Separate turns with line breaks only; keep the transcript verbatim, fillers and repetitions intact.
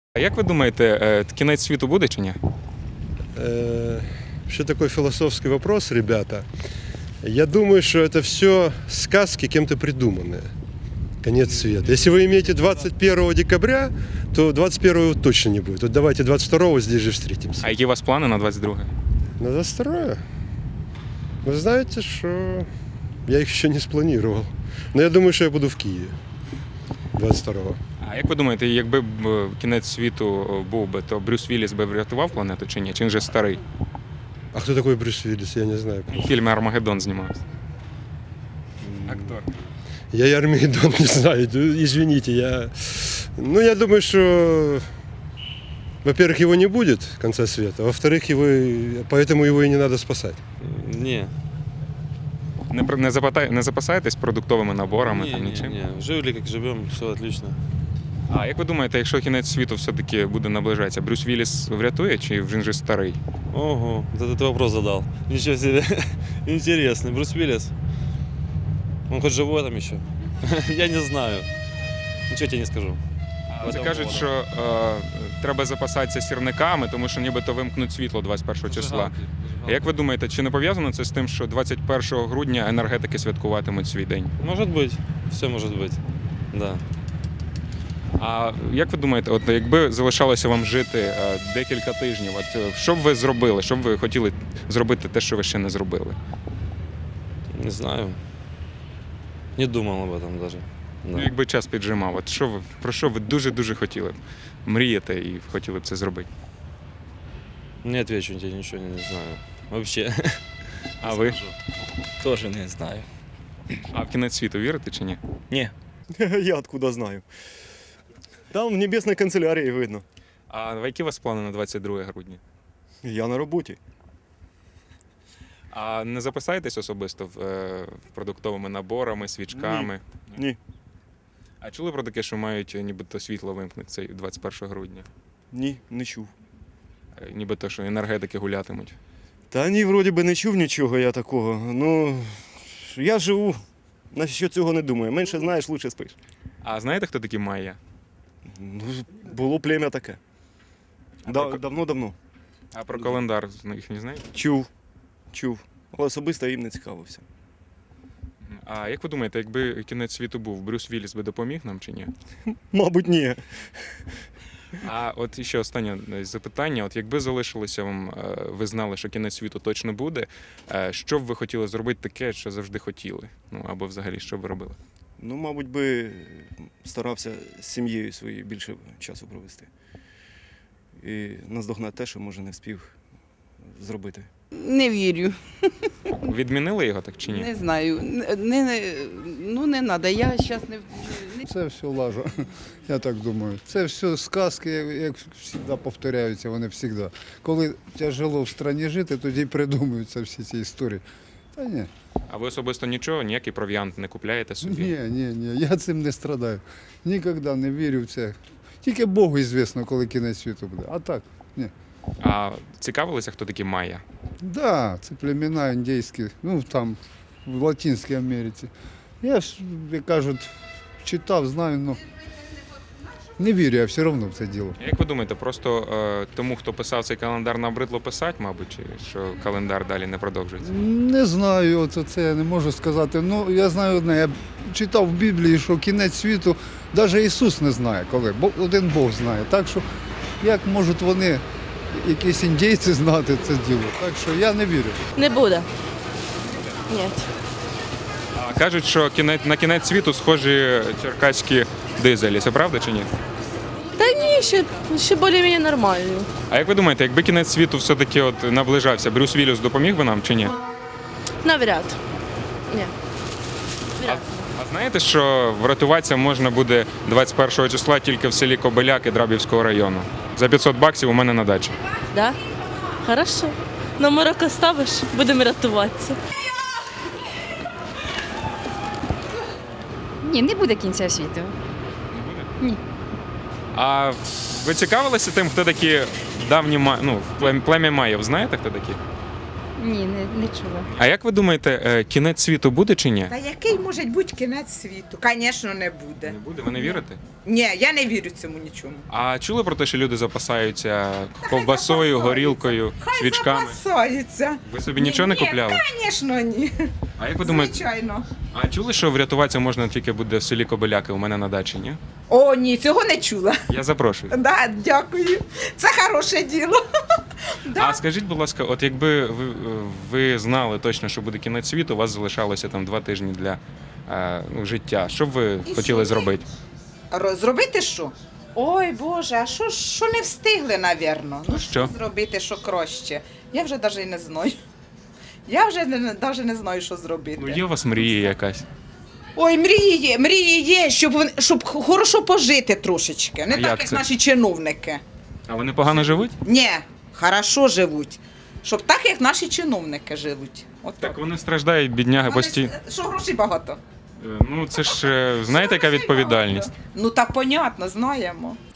А як ви думаєте, кінець світу буде чи ні?
Вообще такой философский вопрос, ребята. Я думаю, что это все сказки кем-то придуманные. Конец света. Если вы имеете двадцать первого декабря, то двадцать первого точно не будет. Вот давайте двадцать второго здесь же встретимся.
А які у вас плани на двадцять друге?
На двадцать второе? Вы знаете, что я их еще не спланировал. Но я думаю, что я буду в Киеве двадцять второго.
А як ви думаєте, якби б кінець світу був би, то Брюс Вілліс би врятував планету чи ні? Чи він вже старий?
А кто такой Брюс Виллис? Я не знаю.
В фільмі «Армагеддон» знімався. Актор.
Я и Армагеддон не знаю. Извините, я... Ну, я думаю, что... Во-первых, его не будет, конца света. Во-вторых, его... поэтому его и не надо спасать.
Ні.
Не, про- не, запатай- не запасаєтесь продуктовими наборами
Ні,
там
ні,
нічим?
ні. Жили, як живемо, все отлично.
А як ви думаєте, якщо кінець світу все-таки буде наближатися, Брюс Вілліс врятує чи він вже старий?
Ого, вот этот вопрос задал. Ничего себе. Интересный. Брюс Виллис. Он хоть живой там еще? Я не знаю. Ничего тебе не скажу.
Це
По
кажуть,
этому
що е, треба запасатися сірниками, тому що нібито вимкнуть світло двадцять першого числа.
Зажигалки,
А
зажигалки.
як ви думаєте, чи не пов'язано це з тим, що двадцять першого грудня енергетики святкуватимуть свій день?
Может быть. Все может быть. Да.
А як ви думаєте, от якби залишалося вам жити е, декілька тижнів, от е, що б ви зробили? Що б ви хотіли зробити те, що ви ще не зробили?
Не знаю. Не думал об этом даже.
Ну,
Да.
якби час піджимав, от що ви про що ви дуже-дуже хотіли б? Мрієте і хотіли б це зробити?
Не отвечу тебе ничего, не, не знаю. Вообще.
А ви?
Тоже не знаю.
А в кінець світу вірите чи ні?
Не.
Я откуда знаю? Там в небесной канцелярии видно.
А які у вас плани на двадцять друге грудня?
Я на роботі.
А не запасаєтесь особисто в, е, в продуктовими наборами, свічками?
Ні.
А чули про таке, що мають е, нібито світло вимкнути цей двадцять першого грудня?
Ні, не чув.
Е, Нібито, що енергетики гулятимуть.
Та ні, вроді би не чув нічого я такого. Ну, я живу, на що цього не думаю. Менше знаєш, лучше спиш.
А знаєте, хто такі майя?
Ну, було плем'я таке.
А
Да,
про ко-
давно-давно.
А про календар ну, їх не знаєте?
Чув. Чув. Але особисто їм не цікавився.
А як ви думаєте, якби кінець світу був, Брюс Вілліс би допоміг нам чи ні?
Мабуть, ні.
А от ще останнє е, запитання. От якби залишилося вам, е, ви знали, що кінець світу точно буде, е, що б ви хотіли зробити таке, що завжди хотіли? Ну або взагалі, що б ви робили?
Ну, мабуть би, старався з сім'єю своєю більше часу провести. І наздогнати те, що, може, не встиг зробити.
Не вірю,
Відмінили його так чи ні?
не знаю. Не, не, ну не треба, я зараз не, не
Це все лажа, я так думаю. Це все сказки, як завжди повторяються, вони завжди. Коли тяжело в країні жити, тоді придумуються всі ці історії. Та ні,
А ви особисто нічого, ніякий провіант не купляєте собі?
ні, ні, ні, я цим не страдаю. Ніколи не вірю в це. Тільки Богу звісно, коли кінець світу буде. А так, ні.
А цікавилися, хто такі майя?
Да, це племена індійські, ну там, в Латинській Америці. Я ж, як кажуть, читав, знаю, але не вірю я все одно в це діло.
Як ви думаєте, просто е, тому, хто писав цей календар, набридло писати, мабуть, чи що календар далі не продовжується?
Не знаю, от це я не можу сказати. Ну, я знаю одне, я читав в Біблії, що кінець світу, навіть Ісус не знає коли, бо один Бог знає. Так що, як можуть вони, якісь індійці, знати це діло? Так що я не вірю.
Не буде. Ні.
А кажуть, що кінець, на кінець світу схожі черкаські дизелі. Це правда чи ні?
Та ні, ще, ще більш-менш нормально.
А як ви думаєте, якби кінець світу все-таки от наближався, Брюс Вілліс допоміг би нам чи ні?
Навряд. Ні.
А, а знаєте, що врятуватися можна буде двадцять першого числа тільки в селі Кобиляки Драбівського району. За п'ятсот баксів у мене на дачі.
Да? Хорошо. Номерок оставиш, будемо рятуватися.
Ні, не буде кінця світу. Ні.
А ви цікавилися тим, хто такі давні ма... ну, плем- плем'я Майїв? Знаєте, хто такі?
Ні, не, не чула.
А як ви думаєте, е, кінець світу буде чи ні?
Та який може бути кінець світу? Звісно, не буде.
Не буде, ви не вірите?
Ні, я не вірю цьому нічому.
А чули про те, що люди запасаються ковбасою,
запасаються.
горілкою,
Хай
свічками?
запасаються.
Ви собі нічого не
Ні,
купляли?
Звісно, ні.
А як ви думаєте,
Звичайно.
а чули, що врятуватися можна тільки буде в селі Кобиляки у мене на дачі, ні?
О, ні, цього не чула.
Я запрошую.
Да, дякую. Це хороше діло.
А скажіть, будь ласка, от якби ви, ви знали точно, що буде кінець світу, у вас залишалося там два тижні для е, ну, життя. Що б ви
І
хотіли
що?
зробити?
Ро- Зробити що? Ой, Боже, а що, ж- що не встигли, навірно? Ну,
Що?
зробити, що краще? Я вже навіть не знаю. Я вже навіть не знаю, що зробити.
Ну, є у вас мрія якась.
Ой, мрії є, мрії є, щоб, вони- щоб хорошо пожити трошечки. Не
А
так,
як
як
це?
наші чиновники.
А вони погано живуть?
Ні, хорошо живуть. Щоб так, як наші чиновники живуть. От
Так вони страждають, бідняги,
Вони
постійно.
ж- Що грошей багато.
Ну це ж е, знаєте, яка відповідальність?
Ну так понятно, знаємо.